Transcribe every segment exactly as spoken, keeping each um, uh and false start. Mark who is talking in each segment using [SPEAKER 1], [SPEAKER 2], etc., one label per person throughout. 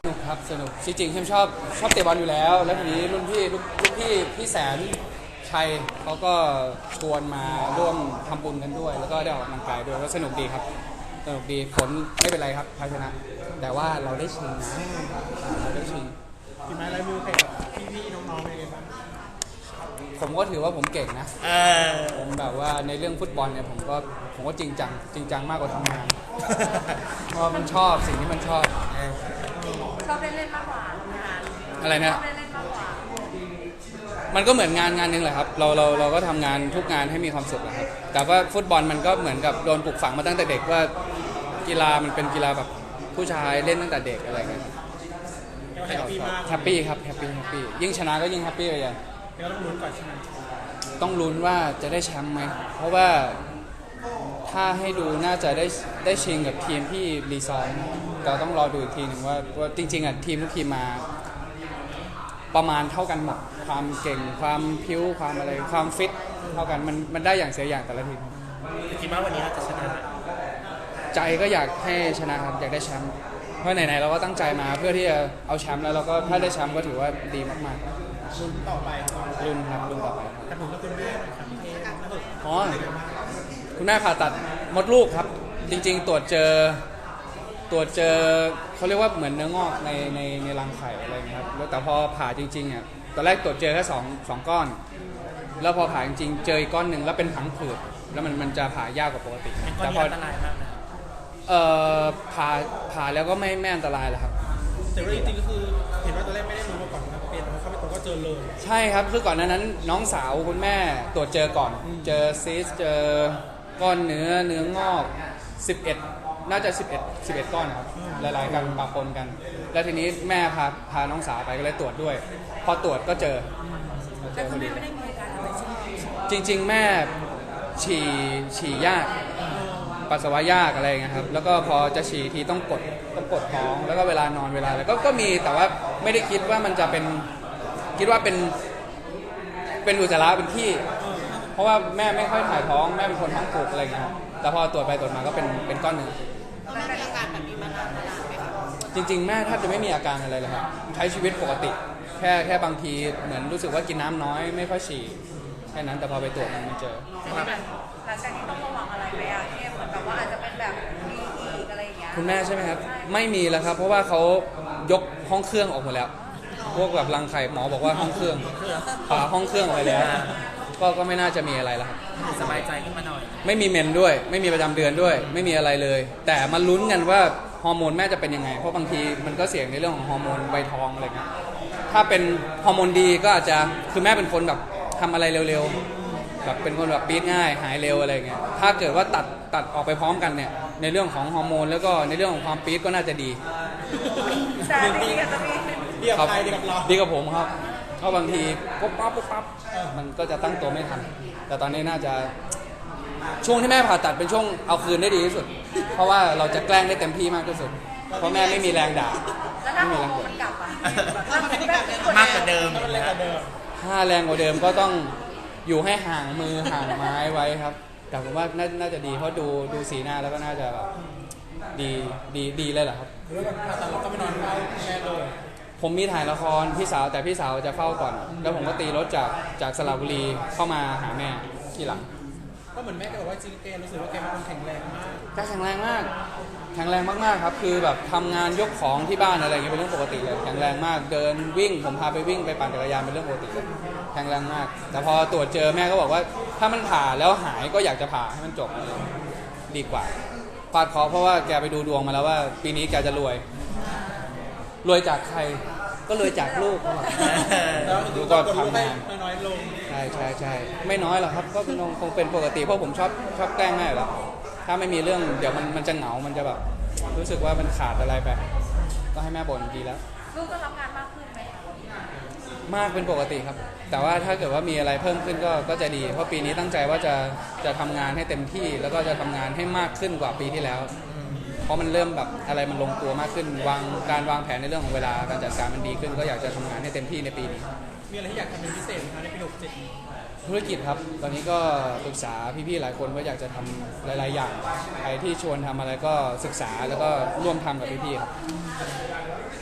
[SPEAKER 1] สนุกครับสนุกจริงๆเข้มชอบชอบเตะบอลอยู่แล้วแล้วทีนี้รุ่นพี่ลูกลูกพี่พี่แสนชัยเขาก็ชวนมาร่วมทำบุญกันด้วย แล้วก็ได้ออกกำลังกายด้วยก็สนุกดีครับสนุกดีผลไม่เป็นไรครับแพ้ชนะแต่ว่าเราได้ชิงนะเราได้ชิง
[SPEAKER 2] ฝีไม้ลายมือใครกับพี่ๆน้องๆเป็นไงบ้าง
[SPEAKER 1] ผมก็ถือว่าผมเก่งนะ
[SPEAKER 3] เออ
[SPEAKER 1] ผมแบบว่าในเรื่องฟุตบอลเนี่ยผมก็ผมก็จริงจังจริงจังมากกว่าทำงานเพราะมันชอบสิ่งที่มันชอบ
[SPEAKER 4] ชอบเล่นเล่นมากกว่าทำงาน
[SPEAKER 1] อะไรนะ
[SPEAKER 4] ชอบเล่นเล่นมากกว่า
[SPEAKER 1] มันก็เหมือนงานงานนึงแหละครับเราเราเราก็ทำงานทุกงานให้มีความสุขนะครับแต่ว่าฟุตบอลมันก็เหมือนกับโดนปลูกฝังมาตั้งแต่เด็กว่ากีฬามันเป็นกีฬาแบบผู้ชายเล่นตั้งแต่เด็กอะไรเงี้ย
[SPEAKER 2] แฮปปี้มาก
[SPEAKER 1] แฮปปี้ครับแฮปปี้แฮปปี้ยิ่งชนะก็ยิ่งแฮปปี้เลยอ่ะ
[SPEAKER 2] เราต้องลุ้นก่อนใช่ไหม
[SPEAKER 1] ต้องลุ้นว่าจะได้แชมป์ไหมเพราะว่าถ้าให้ดูน่าจะได้ได้ชิงกับทีมที่รีซอนเราต้องรอดูอีกทีหนึ่งว่าว่าจริงๆอ่ะทีมทุกทีมมาประมาณเท่ากันหมดความเก่งความพิ้วความอะไรความฟิตเท่ากันมันมันได้อย่างเสียอย่างแต่ละทีม
[SPEAKER 3] คิดว่าวันนี้เราจะชนะ
[SPEAKER 1] ใจก็อยากให้ชนะครับอยากได้แชมป์เพราะไหนๆเราก็ตั้งใจมาเพื่อที่จะเอาแชมป์แล้วเราก็ถ้าได้แชมป์ก็ถือว่าดีมาก
[SPEAKER 2] ๆลุ้นต่อไป
[SPEAKER 1] ลุ้นครับลุ้นต่อไป
[SPEAKER 2] แต่ผมก็คุณแม่ครับพี่เอ
[SPEAKER 1] อ๋อคุณแม่ผ่าตัดมดลูกครับจริงๆตรวจเจอตรวจเจอเขาเรียกว่าเหมือนเนื้องอกในในในรังไข่อะไรเงี้ยครับแล้วแต่พอผ่าจริงๆอ่ะตอนแรกตรวจเจอแค่สองสองก้อนแล้วพอผ่าจริงๆเจออีกก้อนหนึ่งแล้วเป็นผังผืดแล้วมันมันจะผ่ายากกว่าปกติ
[SPEAKER 3] แต่พออันตรายมากนะ
[SPEAKER 1] เอ่อผ่าผ่าแล้วก็ไม่ไม่อันตรายแล้วครับ
[SPEAKER 2] แต่ว่าจริงๆก็คือเห็นว่าตอนแรกไม่ได้รู้มาก่อนนะเป็นเขาไปตรวจก็เจอเลย
[SPEAKER 1] ใช่ครับคือก่อนหน้านั้นน้องสาวคุณแม่ตรวจเจอก่อนเจอซีสเจอก้อนเนื้อเนื้องอกสิบเอ็ดน่าจะสิบเอ็ด สิบเอ็ดก้อนครับหลายๆกันปะปนกันแล้วทีนี้แม่พาพาน้องสาวไปก็เลยตรวจด้วยพอตรวจก็เจอ
[SPEAKER 4] แต่คุณแม่ไม่ได้มีอาการอะไรใช่ไหม
[SPEAKER 1] จริงๆแม่ฉี่ฉี่ยากปัสสาวะยากอะไรเงี้ยครับแล้วก็พอจะฉี่ทีต้องกดต้องกดท้องแล้วก็เวลานอนเวลาอะไรก็ก็มีแต่ว่าไม่ได้คิดว่ามันจะเป็นคิดว่าเป็นเป็นอุจจาระเป็นที่เพราะว่าแม่ไม่ค่อยถ่ายท้องแม่เป็นคนท้องผูกอะไรเงี้ยแต่พอตรวจไปตรวจมาก็เป็นเป็นก้อนเนื้อ
[SPEAKER 4] มีอาการแบบนี้มานานไหมครับ
[SPEAKER 1] จริงๆแม่แทบจะไม่มีอาการอะไรเลยครับใช้ชีวิตปกติแค่แค่บางทีเหมือนรู้สึกว่ากินน้ำน้อยไม่ค่อยฉี่แค่นั้นแต่พอไปตรวจมันไม่เจอ
[SPEAKER 4] หลังจากนี้ต้องระวังอะไรไหมอะที่เหมือนแบบว่าอาจจะเป็นแบบมีอีกอะไรอย่างเงี้ย
[SPEAKER 1] คุณแม่ใช่ไหมครับไม่มีแล้วครับเพราะว่าเขายกห้องเครื่องออกหมดแล้วพวกแบบรังไข่หมอบอกว่าห้องเครื่องผ่าห้องเครื่องออกไปแล้วก็ก็ไม่น่าจะมีอะไรแล้วครับ
[SPEAKER 3] สบายใจขึ้นมาหน่อย
[SPEAKER 1] ไม่มีเมนด้วยไม่มีประจำเดือนด้วยไม่มีอะไรเลยแต่มาลุ้นกันว่าฮอร์โมนแม่จะเป็นยังไงเพราะบางทีมันก็เสี่ยงในเรื่องของฮอร์โมนใบทองอะไรเงี้ยถ้าเป็นฮอร์โมนดีก็อาจจะคือแม่เป็นคนแบบทำอะไรเร็วๆแบบเป็นคนแบบปี๊ดง่ายหายเร็วอะไรเงี้ยถ้าเกิดว่าตัดตัดออกไปพร้อมกันเนี่ยในเรื่องของฮอร์โมนแล้วก็ในเรื่องของความปี๊ดก็น่าจะดี
[SPEAKER 4] แต่ดีกับจะมี
[SPEAKER 2] ดีกับใครดีกับเรา
[SPEAKER 1] ดีกับผมครับเพราะบางทีปุ๊บปั๊บปุ๊บปั๊บมันก็จะตั้งตัวไม่ทันแต่ตอนนี้น่าจะช่วงที่แม่ผ่าตัดเป็นช่วงเอาคืนได้ดีที่สุดเพราะว่าเราจะแกล้งได้เต็มที่มากที่สุดเพราะแม่ไม่มีแรงด่า
[SPEAKER 4] แล้วถ้าฮอร์โมนมันกลับอ่ะ
[SPEAKER 3] มากกว่าเดิม
[SPEAKER 1] ถ้าแรงกว่าเดิมก็ต้องอยู่ให้ห่างมือห่างไม้ไว้ครับแต่ผมว่าน่าจะดีเพราะดูดูสีหน้าแล้วก็น่าจะแบบดีดีดีเลยแหละครับ
[SPEAKER 2] แล้วผ่าตัดเราก็ไม่นอนเฝ้าแม่เลย
[SPEAKER 1] ผมมีถ่ายละครพี่สาวแต่พี่สาวจะเฝ้าก่อนแล้วผมก็ตีรถจากจากสระบุรีเข้ามาหาแม่ที่หลัง
[SPEAKER 2] ก็เหมือนแม่ก็บอกว่าจริงแกรู้สึกว่าแกเป็นคนแข็งแรงมาก
[SPEAKER 1] แกแข็งแรงมากแข็งแรงมากๆครับคือแบบทำงานยกของที่บ้านอะไรอย่างเงี้ยเป็นเรื่องปกติเลยแข็งแรงมากเดินวิ่งผมพาไปวิ่งไปปั่นจักรยานเป็นเรื่องปกติเลยแข็งแรงมากแต่พอตรวจเจอแม่ก็บอกว่าถ้ามันผ่าแล้วหายก็อยากจะผ่าให้มันจบเลยดีกว่าฟาดเคราะห์เพราะว่าแกไปดูดวงมาแล้วว่าปีนี้แกจะรวยรวยจากใครก็รวยจากลูก
[SPEAKER 2] ดูก็ทำงานน้อยลง
[SPEAKER 1] ใช่ใช่ใช่ไม่น้อยหรอกครับก็คงเป็นปกติเพราะผมชอบชอบแกล้งแม่อยู่แล้วถ้าไม่มีเรื่องเดี๋ยวมันมันจะเหงามันจะแบบรู้สึกว่ามันขาดอะไรไปก็ให้แม่บ่นดีแล้ว
[SPEAKER 4] ลูกก็รับงานมากขึ้นไหม
[SPEAKER 1] มากเป็นปกติครับแต่ว่าถ้าเกิดว่ามีอะไรเพิ่มขึ้นก็ก็จะดีเพราะปีนี้ตั้งใจว่าจะจะทำงานให้เต็มที่แล้วก็จะทำงานให้มากขึ้นกว่าปีที่แล้วเพราะมันเริ่มแบบอะไรมันลงตัวมากขึ้นวางการวางแผนในเรื่องของเวลาการจัดการมันดีขึ้นก็อยากจะทำงานให้เต็มที่ในปีนี้
[SPEAKER 2] มีอะไรที่อยากทำเป็นพิเศษไหมในปีหกเจ็ด
[SPEAKER 1] ธุรกิจครับตอนนี้ก็ปรึกษาพี่ๆหลายคนว่าอยากจะทำหลายๆอย่างใครที่ชวนทำอะไรก็ศึกษาแล้วก็ร่วมทำกับพี่ๆครับเริ่ม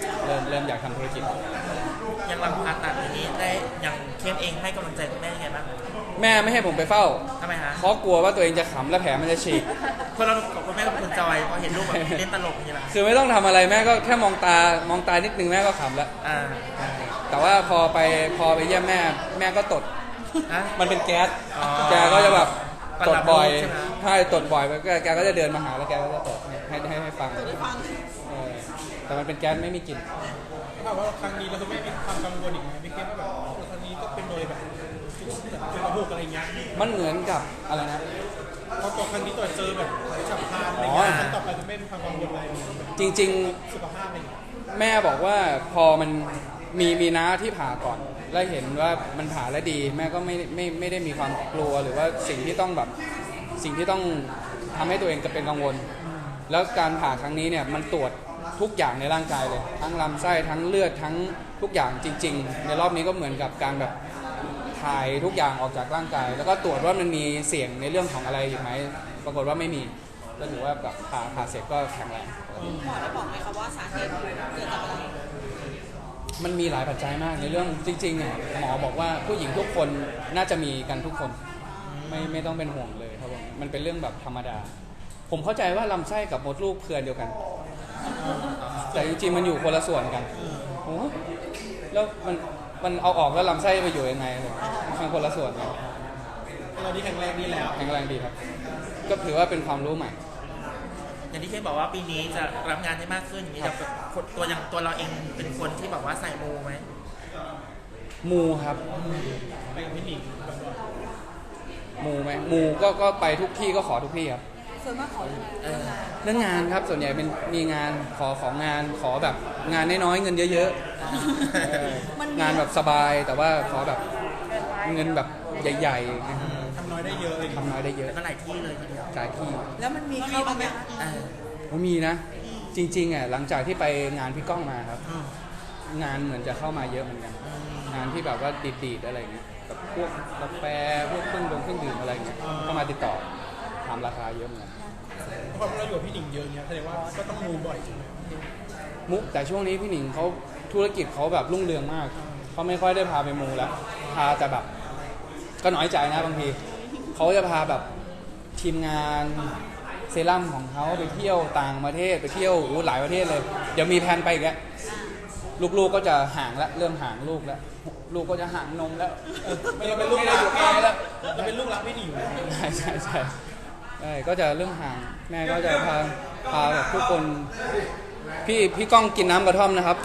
[SPEAKER 1] เริ่มอยากทำธุรกิจ
[SPEAKER 3] ยังหลังผ่าตัดอย่างนี้ได้อย่างเข้มเองให้กำลังใจคุณแม่ยังไงบ้าง
[SPEAKER 1] แม่ไม่ให้ผมไปเฝ้า
[SPEAKER 3] ทำไมฮะ
[SPEAKER 1] เพราะกลัวว่าตัวเองจะขำและแผลมันจะฉีก
[SPEAKER 3] คนเรากับคุณแม่ก็คุณจอยพอเห็นลูกแบบเล่นตลกอย่างนี้ละ
[SPEAKER 1] คือไม่ต้องทำอะไรแม่ก็แค่มองตามองตานิดนึงแม่ก็ขำแล้ว
[SPEAKER 3] อ่า
[SPEAKER 1] แต่ว่าพอไปพอไปเยี่ยมแม่แม่ก็ตด
[SPEAKER 3] ฮะ
[SPEAKER 1] มันเป็นแก๊ส
[SPEAKER 3] อ๋อ
[SPEAKER 1] แกก็จะแบบ
[SPEAKER 3] ประ
[SPEAKER 1] ต
[SPEAKER 3] ดั
[SPEAKER 1] ด
[SPEAKER 3] บ
[SPEAKER 1] บ่อย
[SPEAKER 3] รูปใช่ไหม
[SPEAKER 1] ใช่ตดบ่อยแกแกก็จะเดินมาหาแล้วแกก็จะตดให้ให้ให้ฟังเออแต่มันเป็นแก๊สไม่มีกลิ่น
[SPEAKER 2] ถามว่าครั้งนี้เราคุณแม่มีความกังวลอีกไหมพี่เข้มว่าแบบครั้งนี้ก็เป็นโดยแบบเป็นระบบอะไรเงี้ย
[SPEAKER 1] มันเหมือนกับอะไรนะ
[SPEAKER 2] พอตัวครั้งนี้ตัวเจอแบบฉับพลันอะไรเงี้ยครั้งต่อไปคุณแม่มีความกังวลอะไรแบบ
[SPEAKER 1] จริง
[SPEAKER 2] สุขภาพอะไรเงี้ย
[SPEAKER 1] ๆ แม่บอกว่าพอมันมีมีน้าที่ผ่าก่อน แล้วเห็นว่ามันผ่าแล้วดี แม่ก็ไม่ไม่ไม่ได้มีความกลัวหรือว่าสิ่งที่ต้องแบบสิ่งที่ต้องทำให้ตัวเองจะเป็นกังวล แล้วการผ่าครั้งนี้เนี่ยมันตรวจทุกอย่างในร่างกายเลย ทั้งลำไส้ทั้งเลือดทั้งทุกอย่างจริง ๆ ในรอบนี้ก็เหมือนกับการแบบถ่ายทุกอย่างออกจากร่างกาย แล้วก็ตรวจว่ามันมีเสี่ยงในเรื่องของอะไรอีกไหมปรากฏว่าไม่มีก็ถือว่าแบบผ่าผ่าเสร็จก็แข็งแรง
[SPEAKER 5] หมอได้บอกไหมคะว่าสาเหตุเกิดจากอะไร
[SPEAKER 1] มันมีหลายปัจจัยมากในเรื่องจริงๆเนี่ยหมอบอกว่าผู้หญิงทุกคนน่าจะมีกันทุกคน ไม่ไม่ต้องเป็นห่วงเลยครับผมมันเป็นเรื่องแบบธรรมดา ผมเข้าใจว่าลำไส้กับมดลูกเครือเดียวกัน แต่จริงๆมันอยู่คนละส่วนกันโอ้แล้วมันมันเอาออกแล้วลำไส้ไปอยู่ยังไงเลยมันคนละส่วนกัน
[SPEAKER 2] เราดีแข็งแรงดีแล้ว
[SPEAKER 1] แข็งแรงดีครับ ก็ถือว่าเป็นความรู้ใหม่
[SPEAKER 3] อย่างที่เข้มบอกว่าปีนี้จะรับงานได้มากขึ้นอย่างนี้จะคนตัวอย่างตัวเราเองเป็นคนที่แบบว่าใส่มูไหม
[SPEAKER 1] มูครับ
[SPEAKER 2] ไปกับพี่หนิงแบบว่า
[SPEAKER 1] มูไหมมูก็ก็ไปทุกที่ก็ขอทุกที่ครับ
[SPEAKER 5] ส่วนมากขอยังไง
[SPEAKER 3] เออ
[SPEAKER 1] เรื่องงานครับส่วนใหญ่เป็นมีงานขอของงานขอแบบงานน้อยๆเงินเยอะๆเอองานแบบสบายแต่ว่าขอแบบเงินแบบใหญ่ๆนะครับ
[SPEAKER 2] ทำน้อยได้เยอะอะไรอย่างเงี้ย
[SPEAKER 1] ทำน้อยได้เยอะ
[SPEAKER 3] แล้วก็หลายที่เลยทีเดียว
[SPEAKER 1] จ่ายที่
[SPEAKER 5] แล้วมันมีเข้าบ้างไหมคะ
[SPEAKER 3] เออ
[SPEAKER 1] มันมีนะ จริงๆอ่ะหลังจากที่ไปงานพี่ก้องมาครับ
[SPEAKER 3] อืม
[SPEAKER 1] งานเหมือนจะเข้ามาเยอะเหมือนกัน งานที่แบบว่าดีดๆอะไรเงี้ยกับพวกกาแฟพวกเครื่องดงเครื่องดื่มอะไรเงี้ยก็มาติดต่อถามราคาเยอะเหมือนกัน
[SPEAKER 2] เพราะเราอยู่กับพี่หนิงเยอะเงี้ยแสดงว่าก็ต้องมูบ่อยใช่ไหม
[SPEAKER 1] มุกแต่ช่วงนี้พี่หนิงเขาธุรกิจเขาแบบรุ่งเรืองมากเขาไม่ค่อยได้พาไปมูแล้วพาแต่แบบก็น้อยใจนะบางทีเขาจะพาแบบทีมงานเซรั่มของเขาไปเที่ยวต่างประเทศไปเที่ยวอู้หลายประเทศเลยเดี๋ยวมีแผนไปอีกแล้วลูกๆก็จะห่างแล้วเริ่มห่างลูกแล้วลูกก็จะห่างนมแล้ว
[SPEAKER 2] ไม่ได้เป็นลูกรัก
[SPEAKER 1] ไม่ได้อยู่ใกล้แล้ว
[SPEAKER 2] เราเป็นลูกรักพี่หนิงอยู่
[SPEAKER 1] ใช่ใช่ใช่ใช่ก็จะเริ่มห่างแม่ก็จะพาพาแบบทุกคนพี่พี่ก้องกินน้ำกระท่อมนะครับ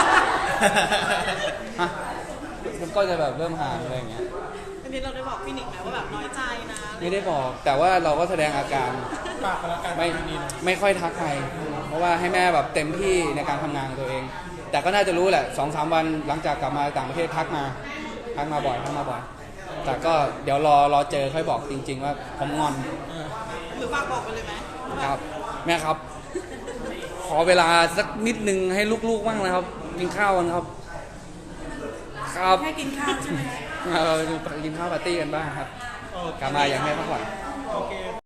[SPEAKER 1] ฮะมันก็จะแบบเริ่มห่างอะไรอย่างเงี้ย
[SPEAKER 5] อันนี้เราได้บอกพี่หนิงไหมว่าแบบน้อยใจนะ
[SPEAKER 1] ไม่ได้บอกแต่ว่าเราก็แสดงอาการ
[SPEAKER 2] ฝากกันละกัน
[SPEAKER 1] ไม่
[SPEAKER 2] พี่หนิง
[SPEAKER 1] ไม่ค่อยทักใครเพราะว่าให้แม่แบบเต็มที่ในการทำงานของตัวเอง แต่ก็น่าจะรู้แหละสองสามวันหลังจากกลับมาต่างประเทศทักมาทักมาบ่อยทักมาบ่อยแต่ก็เดี๋ยวรอรอเจอค่อยบอกจริง ๆ ว่าผมงอน
[SPEAKER 5] หรือฝากบอกไปเลยไหม
[SPEAKER 1] ครับแม่ครับ ขอเวลาสักนิดนึงให้ลูกๆบ้างนะครับ กินข้าวกันครับ ครับ
[SPEAKER 5] แค่กินข้าวใช่ไหม
[SPEAKER 1] เรากินข้าวปาร์ตี้กันบ้างครับ
[SPEAKER 2] โอเค
[SPEAKER 1] กลับมาอย่างให้พักผ่อน
[SPEAKER 2] โอเค